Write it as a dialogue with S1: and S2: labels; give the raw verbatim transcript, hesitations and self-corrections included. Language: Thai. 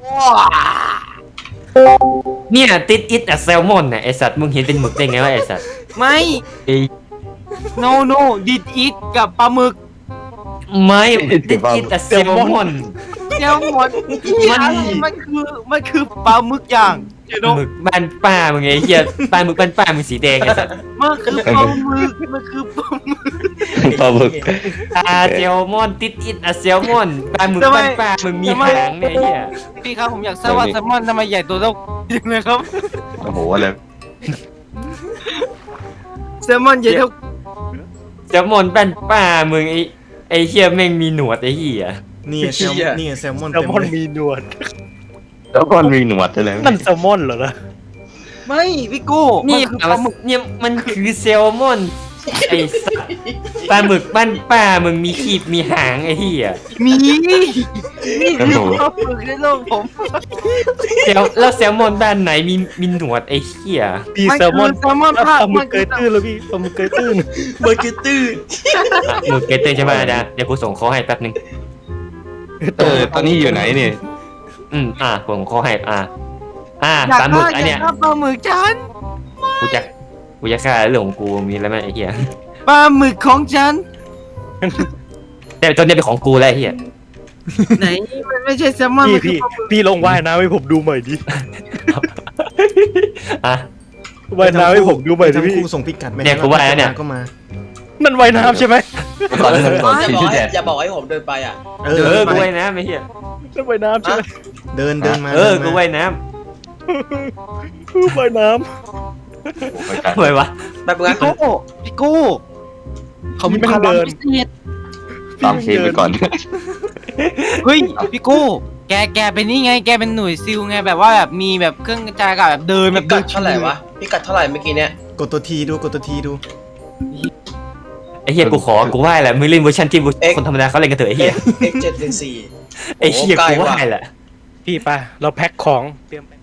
S1: เนี่ยติดอิดอะแซลมอนน่ะไอสัตว์มึงเห็นเป็นหมึกได้ไงวะไอสัตว์
S2: ไม่
S1: ไอ้
S2: no no did eat กับปลาหมึก
S1: ไม่ติดอิดอะแซลมอน
S2: แซลมอนมันมันคือมันคือปลาหมึกย่างเจโน
S1: หมึกบ้านป้ามึงไงเหี้ยปลาหมึกบ้านป้ามึงสีแดงไอสัตว์
S2: มันคือปลาหมึกมันคือปลาหมึก
S3: ปลาหมึก
S1: อาแซลมอนติดอิดอะแซลมอนปลาหมึกบ้านป้ามึงมีหางเนี่ยไอ้เหี้ย
S2: พี่ครับผมอยากทราบว่าแซลมอนทำไมใหญ่ตัวเท่ายังไงครับ
S3: โอ้โหอะไร
S2: แซลมอนใหญ่เท่า
S1: แซลมอนบ้านป้ามึงไอไอเหี้ยแม่งมีหนวดไอเหี้ย
S4: นี่แซลนี่แซลมอน
S5: แซล
S4: เต็ม
S5: มอน
S4: เลย
S5: มีหนวด
S3: แล้วก็มีหนวดด้วยเลย
S5: นั่นแซลมอนเหรอนะ
S2: ไม่พี่กู้
S1: นี่
S2: มันคือปลาหมึก
S1: เนี่ยมันคือแซลมอนไอสัตว์ปลาหมึกบ้านป้ามึงมีขีบมีหางไอเหี้ย
S2: มีนี่คือปลาหมึกในโลกผม
S1: แซลแล้วแซลมอนบ้านไหนมีมีหนวดไอเหี้ย
S5: พี่แซลมอน
S2: แซลมอน
S5: ป
S2: ภาค
S5: ลาหมึ
S2: มั
S5: ก
S2: น
S5: เก
S2: คื
S5: ยตื้นแล้วพี่ปลาหมึกเกยตื้น
S4: เบอร์เกอร์ตื้อ
S1: อ่ะหมึกเกตเตอร์ใช่ไหมอาจารย์เดี๋ยวกูส่งเขาให้แป๊บนึง
S3: เออตอนนี้อยู่ไหนเนี่ย
S1: อืมอ่ะผมเขาให้อ่ะอ่ะ
S2: อยาก
S1: ปลาหมึก
S2: ฆ่า
S1: อัน
S2: อ
S1: เนี้
S2: ยาย กฆ่าปลาหมึกฉัน
S1: กูจะกูจะฆ่าเรื่องของกูมีอะไรไหมไอ้เหี้ย
S2: ปลาหมึกของฉัน
S1: แต่ตอนนี้เป็นของกูแล้วไอ้เหี้ย
S2: ไหนมันไม่ใช่แซลมอน
S5: พี่
S2: มันคือ
S5: พี่
S2: ปลาหมึก
S5: พี่ลงว่ายน้ำให้ผมดูหน่อยดิ
S1: อ่ะ
S5: ว่ายน้ำให้ผมดูหน่อยดิ
S4: ทั้ง
S5: พี่
S4: คู่ส่งพิกัดไป
S1: เนี่ยกูว่าแล้วเนี่ย
S4: ก็มา
S5: นั่นว่ายน้ำใช่ไหม
S3: ตอนนั้นตอน
S6: อย่า
S3: ที่
S6: บอก
S3: ที่
S6: ให้
S3: แดด
S6: อย่าบอกให้ผมเดินไปอ่ะ
S4: เอ
S1: เออ
S4: อ
S1: กูว่ายน้ำไอ้เหี้ย
S5: นั่นว่ายน้ำใช่ไหม
S4: เดินเดินมา
S1: เออ
S4: ดิน
S1: กู
S4: มา
S1: ว่ายน้
S5: ว่ายน้
S1: ำทำไมวะ
S6: แบบงั้น
S2: พี่กู้พี่กู้
S5: ำไม่ต้องเดิน
S2: พิเศษ
S3: ตามเคไปก่อน
S2: เฮ้ยพี่กู้แกแกเป็นนี่ไงแกเป็นหน่วยซิลไงแบบว่าแบบมีแบบเครื่องกระจายอากาศแบบเดินแบ
S6: พิ
S2: บ
S6: กั
S2: เดิ
S6: ด
S2: น
S6: เท่าไหร่วะพิกัดเท่าไหร่เมื่อกี้เนี้ย
S4: กดตัวทีดูกดตัวทีดู
S1: ไอ้เหี้ยกูขอกูไหว้แหละมึงเล่นเวอร์ชันที่คนธรรมดาเขาเล่นกันเถอะไอ้เหี้ย
S6: เอ็กเจ็ดหนึ่งสี่
S1: ไอ้เหี้ยกูไหว้แหละ
S5: พี่ไปเราแพ็คของเตรียม